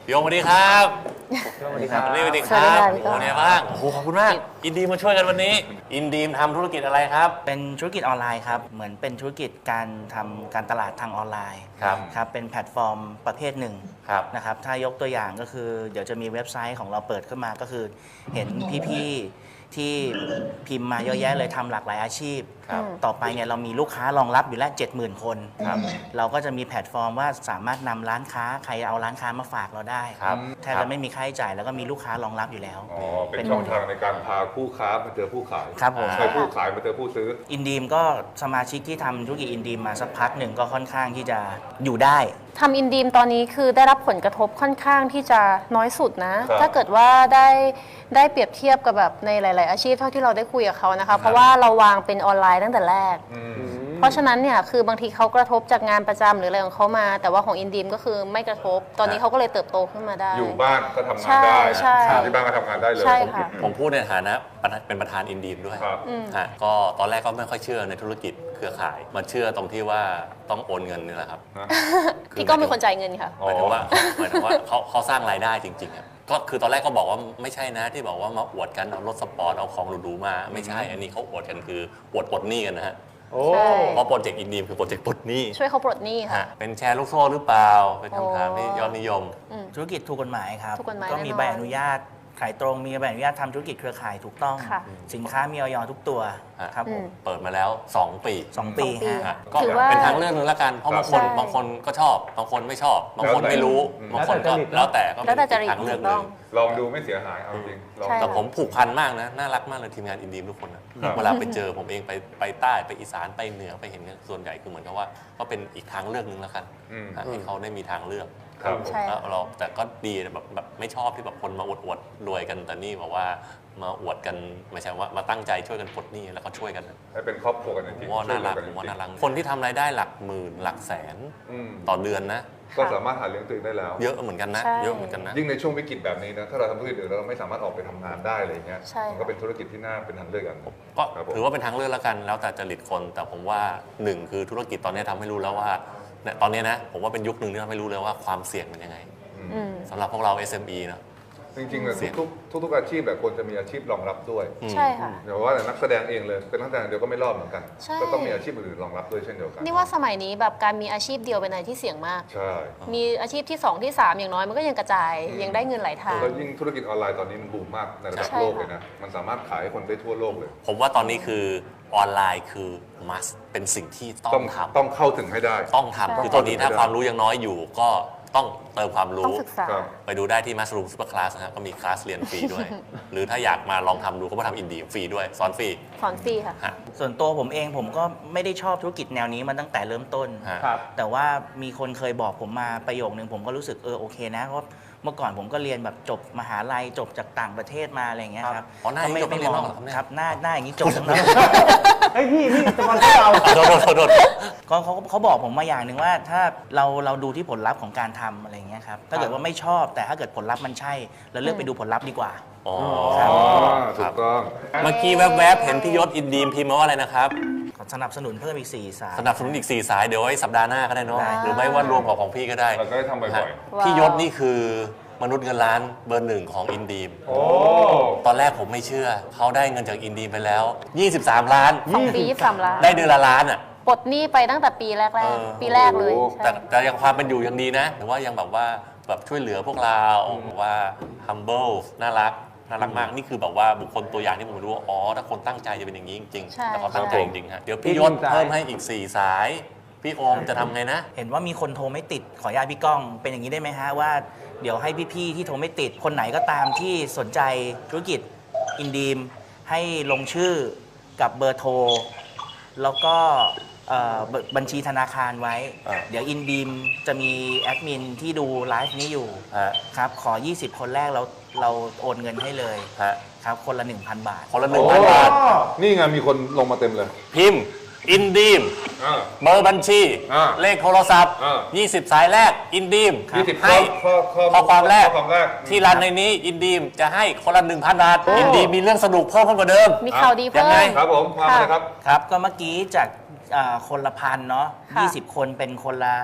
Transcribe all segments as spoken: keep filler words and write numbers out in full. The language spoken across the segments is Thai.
พี่โอมสวัสดีครับสวัสดีครับสวัสดีครับโอ้เนี่ยบ้างโอ้โหขอบคุณมากอินดีมมาช่วยกันวันนี้อินดีมทำธุรกิจอะไรครับเป็นธุรกิจออนไลน์ครับเหมือนเป็นธุรกิจการทำการตลาดทางออนไลน์ครับครับเป็นแพลตฟอร์มประเภทหนึ่งนะครับถ้ายกตัวอย่างก็คือเดี๋ยวจะมีเว็บไซต์ของเราเปิดขึ้นมาก็คือเห็นพี่ๆที่พิมพ์มาเยอะแยะเลยทำหลากหลายอาชีพต่อไปเนี่ยเรามีลูกค้ารองรับอยู่แล้ว เจ็ดหมื่น คนเราก็จะมีแพลตฟอร์มว่าสามารถนำร้านค้าใครเอาร้านค้ามาฝากเราได้แทบจะไม่มีค่าใช้จ่ายแล้วก็มีลูกค้ารองรับอยู่แล้วอ๋อเป็นช่องทางในการพาผู้ค้ามาเจอผู้ขายครับผมใช่ผู้ขายมาเจอผู้ซื้ออินดีมก็สมาชิกที่ทำธุรกิจอินดีมมาสักพักหนึ่งก็ค่อนข้างที่จะอยู่ได้ทำอินดีมตอนนี้คือได้รับผลกระทบค่อนข้างที่จะน้อยสุดนะถ้าเกิดว่าได้ได้เปรียบเทียบกับแบบในหลาย ๆ อาชีพเท่าที่เราได้คุยกับเขานะคะเพราะว่าเราวางเป็นออนไลน์ตั้งแต่แรกเพราะฉะนั้นเนี่ยคือบางทีเขากระทบจากงานประจำหรืออะไรของเขามาแต่ว่าของอินดีมก็คือไม่กระทบตอนนี้เขาก็เลยเติบโตขึ้นมาได้อยู่บ้านก็ทำงานได้ที่บ้านก็ทำงานได้เลยใช่ค่ะผมพูดในฐานะเป็นประธานอินดีมด้วยก็ตอนแรกก็ไม่ค่อยเชื่อในธุรกิจเครือข่ายมาเชื่อตรงที่ว่าต้องโอนเงินนี่แหละครับพี่ก็เป็นคนจ่ายเงินค่ะหมายถึงว่าหมายถึงว่าเขาเขาสร้างรายได้จริงๆครับก็คือตอนแรกก็บอกว่าไม่ใช่นะที่บอกว่ามาอวดกันเอารถสปอร์ตเอาของหรูๆมาไม่ใช่อันนี้เขาอวดกันคืออวดปลดหนี้กันนะฮะเพราะโปรเจกต์อินดีมคือโปรเจกต์ปลดหนี้ช่วยเขาปลดหนี้ค่ะเป็นแชร์ลูกโซ่หรือเปล่าเป็นคำถามที่ยอดนิยมธุรกิจถูกกฎหมายครับก็มีใบอนุญาตขายตรงมีใบอนุญาตทำธุรกิจเครือข่ายถูกต้องสินค้ามีออยทุกตัวครับผมเปิดมาแล้วสองปีสองปีก็เป็นทางเลือกนึงละกันเพราะบางคนบางคนก็ชอบบางคนไม่ชอบบางคนไม่รู้บางคนก็แล้วแต่ก็เป็นทางเลือกนึงลองดูไม่เสียหายเอาจริงแต่ผมผูกพันมากนะน่ารักมากเลยทีมงานอินดีมทุกคนนะเวลาไปเจอผมเองไปไปใต้ไปอีสานไปเหนือไปเห็นส่วนใหญ่คือเหมือนกับว่าก็เป็นอีกทางเลือกนึงแล้วกันให้เขาได้มีทางเลือกแล้วเราแต่ก็ดีแบบแบบไม่ชอบที่แบบคนมาอวดอวดรวยกันแต่นี่บอกว่ามาอวดกันไม่ใช่ว่ามาตั้งใจช่วยกันปลดหนี้แล้วก็ช่วยกันให้เป็นครอบครัวกันจริงๆว่าน่ารักว่าน่ารักคนที่ทำรายได้หลักหมื่นหลักแสนต่อเดือนนะก็สามารถหาเลี้ยงตัวเองได้แล้วเยอะเหมือนกันนะเยอะเหมือนกันนะยิ่งในช่วงวิกฤตแบบนี้นะถ้าเราทำธุรกิจอื่นเราไม่สามารถออกไปทำงานได้อะไรเงี้ยมันก็เป็นธุรกิจที่น่าเป็นทางเลือกกันก็ถือว่าเป็นทางเลือกแล้วกันแล้วแต่จริตคนแต่ผมว่าหนึ่งคือธุรกิจตอนนี้ทำให้รู้แล้วว่าตอนนี้นะผมว่าเป็นยุคหนึ่งที่ทำให้รู้เลยว่าความเสี่ยงเป็นยังไงสำหรับพวกเรา เอส เอ็ม อี นะจริงๆเลยทุกทุกทุกอาชีพแบบควรจะมีอาชีพรองรับด้วยใช่ค่ะเดี๋ยวว่าแต่นักแสดงเองเลยเป็นนักแสดงเดียวก็ไม่รอดเหมือนกันก็ต้องมีอาชีพอื่นรองรับด้วยเช่นเดียวกันนี่ว่าสมัยนี้แบบการมีอาชีพเดียวเป็นอะไรที่เสี่ยงมากใช่มีอาชีพที่สองที่สามอย่างน้อยมันก็ยังกระจายยังได้เงินหลายทางแล้วยิ่งธุรกิจออนไลน์ตอนนี้มันบูมมากในระดับโลกเลยนะมันสามารถขายให้คนได้ทั่วโลกเลยผมว่าตอนนี้คือออนไลน์คือ must เป็นสิ่งที่ต้องทำต้องเข้าถึงให้ได้ต้องทำคือตอนนี้ถ้าความรู้ยังน้อยอยู่ก็ต้องเติมความรู้ไปดูได้ที่ Mushroom Super Class นะครับก็มีคลาสเรียนฟรีด้วย หรือถ้าอยากมาลองทำดูก็มาทำอินดีฟรีด้วยสอนฟรีสอนฟรีค่ะส่วนตัวผมเองผมก็ไม่ได้ชอบธุรกิจแนวนี้มาตั้งแต่เริ่มต้นแต่ว่ามีคนเคยบอกผมมาประโยคนึงผมก็รู้สึกเออโอเคนะเพราะเมื่อก่อนผมก็เรียนแบบจบมหาลัยจบจากต่างประเทศมาอะไรอย่างเงี้ยครับอ๋อหน้าอย่างนี้จบไม่มองครับหน้าหน้าอย่างนี้จบทั้งนั้นไอ้พี่พี่จะมาที่เราโดนโดนโดนก็เขาเขาบอกผมมาอย่างหนึ่งว่าถ้าเราเราดูที่ผลลัพธ์ของการทำอะไรอย่างเงี้ยครับถ้าเกิดว่าไม่ชอบแต่ถ้าเกิดผลลัพธ์มันใช่เราเลือกไปดูผลลัพธ์ดีกว่าอ๋อถูกต้องเมื่อกี้แวบๆเห็นพี่ยศอินดีมพิมพ์มาว่าอะไรนะครับสนับสนุนเพิ่มอีกสี่สายสนับสนุนอีกสี่สายเดี๋ยวไว้สัปดาห์หน้าก็ได้เนาะหรือไม่ว่ารวมกับของพี่ก็ได้เราก็ได้ทำบ่อยๆพี่ยศนี่คือมนุษย์เงินล้านเบอร์หนึ่งของอินดีมตอนแรกผมไม่เชื่อเขาได้เงินจากอินดีมไปแล้วยี่สิบสามล้านสองปียี่สิบสามล้านได้เดือนละล้านอ่ะปลดหนี้ไปตั้งแต่ปีแรกๆปีแรกเลยแต่แต่ยังความเป็นอยู่ยังดีนะแต่ว่ายังแบบว่าแบบช่วยเหลือพวกเราว่า humble น่ารักน่ารักมากนี่คือแบบว่าบุคคลตัวอย่างที่ผมรู้ว่าอ๋อถ้าคนตั้งใจจะเป็นอย่างนี้จริงๆแต่เขาตั้งใจจริงๆฮะเดี๋ยวพี่ยศเพิ่มให้อีกสี่สายพี่โอมจะทำไงนะเห็นว่ามีคนโทรไม่ติดขออนุญาตพี่ก้องเป็นอย่างนี้ได้ไหมฮะว่าเดี๋ยวให้พี่ๆที่โทรไม่ติดคนไหนก็ตามที่สนใจธุรกิจอินดีมให้ลงชื่อกับเบอร์โทรแล้วก็บัญชีธนาคารไว้เดี๋ยวอินดีมจะมีแอดมินที่ดูไลฟ์นี้อยู่ครับขอยี่สิบคนแรกเราเราโอนเงินให้เลยครับคนละ หนึ่งพัน บาทคนละ หนึ่งพัน บาทนี่ไงมีคนลงมาเต็มเลยพิมพ์อินดีมเบอร์บัญชีเลขโทรศัพท์ยี่สิบสายแรกอินดีมให้ข้อความแรกที่รันในนี้อินดีมจะให้คนละ หนึ่งพัน บาทอินดีมมีเรื่องสนุกเพิ่มขึ้นกว่าเดิมมีข่าวดีเพิ่มครับผมมาเลยครับครับก็เมื่อกี้จากคนละพันเนาะยี่สิบคนเป็นคนละ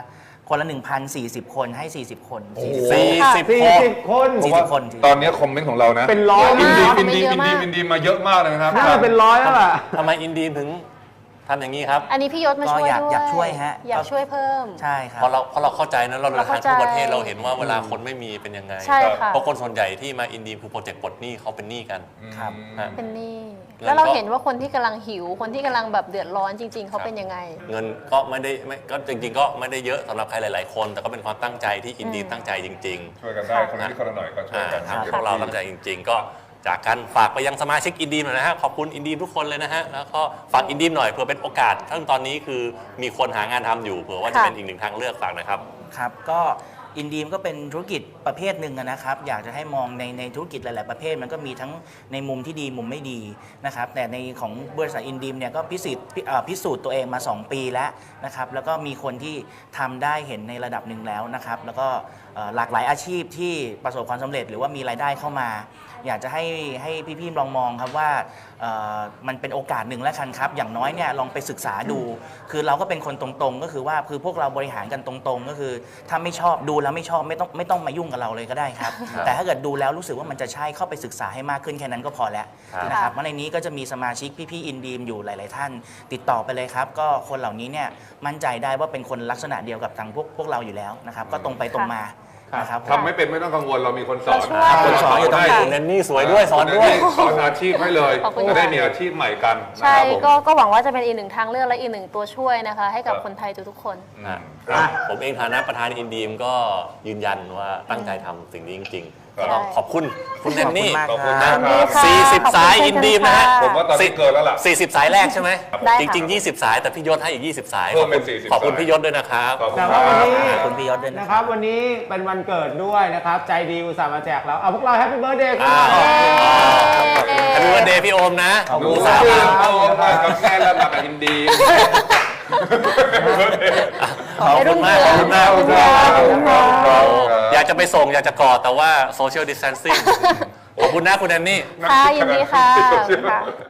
คนละ หนึ่งพันสี่สิบ คนให้ สี่สิบ คนสี่สิบสี่สิบสี่คนสิบคนสี่สิบคนตอนนี้คอมเมนต์ของเรานะเป็นร้อยอินดีมากอินดีเยอิอะนมาดีกอินดีมาเยอะมากเลยนะครับน่าจะเป็นร้อยแล้วล่ะทำไมอินดีมถึงทำอย่างนี้ครับอันนี้พี่ยศมาก็ช่วยอยากด้วยอยากช่วยฮะอยากช่วยเพิ่มใช่ครับเพราะเราเพราะเราเข้าใจนะเราเดินทางเราเข้าใจทั่วประเทศเราเห็นว่าเวลาคนไม่มีเป็นยังไงใช่ค่ะเพราะคนส่วนใหญ่ที่มาอินดีมคือโปรเจกต์ปลดหนี้เขาเป็นหนี้กันครับฮะเป็นหนี้แล้วก็แล้วเราเห็นว่าคนที่กำลังหิว คนที่กำลังแบบเดือดร้อนจริง ๆ เขาเป็นยังไงเงินก็ไม่ได้ไม่ก็จริง ๆ ก็ไม่ได้เยอะสำหรับใครหลาย ๆ คน แต่ก็เป็นความตั้งใจที่อินดีมอืมตั้งใจจริงช่วยกันได้คนละนิดคนละหน่อยก็ๆช่วยอ่ากันทางพวกเราตั้งใจจริง ๆ ก็จากกันฝากไปยังสมาชิกอินดีมหน่อยนะฮะขอบคุณอินดีมทุกคนเลยนะฮะแล้วก็ฝากอินดีมหน่อยเผื่อเป็นโอกาสทั้งตอนนี้คือมีคนหางานทำอยู่เผื่อว่าจะค่ะเป็นอีกหนึ่งทางเลือกฝากหนะครับครับก็อินดีมก็เป็นธุรกิจประเภทหนึ่งอะนะครับ อยากจะให้มองในในธุรกิจหลาย ๆ ประเภทมันก็มีทั้งในมุมที่ดีมุมไม่ดีนะครับแต่ในของบริษัทอินดีมเนี่ยก็พิสูจน์พิเอ่อพิสูจน์ตัวเองมา สอง ปีแล้วนะครับแล้วก็มีคนที่ทำได้เห็นในระดับหนึ่งแล้วนะครับแล้วก็เอ่อหลากหลายอาชีพที่ประสบความสำเร็จหรือว่ามีรายได้เข้ามา อยากจะให้ให้พี่ๆลองมองครับว่าเอ่อมันเป็นโอกาสหนึ่งแล้วกันครับอย่างน้อยเนี่ยลองไปศึกษาดู คือเราก็เป็นคนตรงๆ ก็คือว่าคือพวกเราบริหารกันตรงๆ ก็คือถ้าไม่ชอบดูแล้วไม่ชอบไม่ต้องไม่ต้องมายุ่งกับเราเลยก็ได้ครับครับแต่ถ้าเกิดดูแล้วรู้สึกว่ามันจะใช่เข้าไปศึกษาให้มากขึ้นแค่นั้นก็พอแล้วครับนะครับเพราะในนี้ก็จะมีสมาชิกพี่ๆอินดีมอยู่หลาย ๆ ท่าน ติดต่อไปเลยครับ ก็คนเหล่านี้เนี่ยมั่นใจได้ว่าเป็นคนลักษณะเดียวกับทางพวกพวกเราอยู่แล้วนะครับก็ตรงไปตรงมานะครับผมทำไม่เป็นไม่ต้องกังวลเรามีคนสอนเราช่วยคนสอนอยู่ตรงนี้คุณแนนนี่สวยด้วยสอนด้วยสอนอาชีพให้เลยขอบคุณจะได้ค่ะมีอาชีพใหม่กันนะใช่ครับผมก็ก็หวังว่าจะเป็นอีกหนึ่งทางเลือกและอีกหนึ่งตัวช่วยนะคะ ให้กับครับคนไทยทุกๆคนอ่ะครับผมเองฐานะประธานอินดีมก็ยืนยันว่าตั้งใจทำสิ่งนี้จริงๆครับก็ต้องขอบคุณคุณแนนนี่ขอบคุณขมาอบกคุณคมากรับครับสี่สิบขอบคุณสายอินดีมนะฮะค่ะผมว่าตอนนี้เกินแล้วล่ะสี่สิบสายแรกใช่ไหมได้จค่ะริง ๆ ยี่สิบ สายแต่พี่ยศให้อีก ยี่สิบ สายเพิ่มเป็นสี่สิบขอบคุณสายพี่ยศด้วยนะครับขอบคุณแต่ครัว่าบวันนี้ขอบคุณพี่ยศด้วยนะนะคครับ รับวันนี้เป็นวันเกิดด้วยนะครับ ใจดีอุตส่าห์มาแจกเราเอาพวกเราแฮปปี้เบิร์ดเดย์คุณอ้าวหน่อยแฮปปี้วันเดย์พี่โอมนะขอบคุณดูสาสาว วมาเอามากับแม่แล้วมากับอินดีขอบคุณมากขอบคุณมากขอบคุณครับโอ้ครับอยากจะไปส่งอยากจะกอดแต่ว่าโซเชียลดิส a ทนซิ่งขอบคุณนะคุณแนนนี่ค่ะยินดีค่ะขอบคุณค่ะ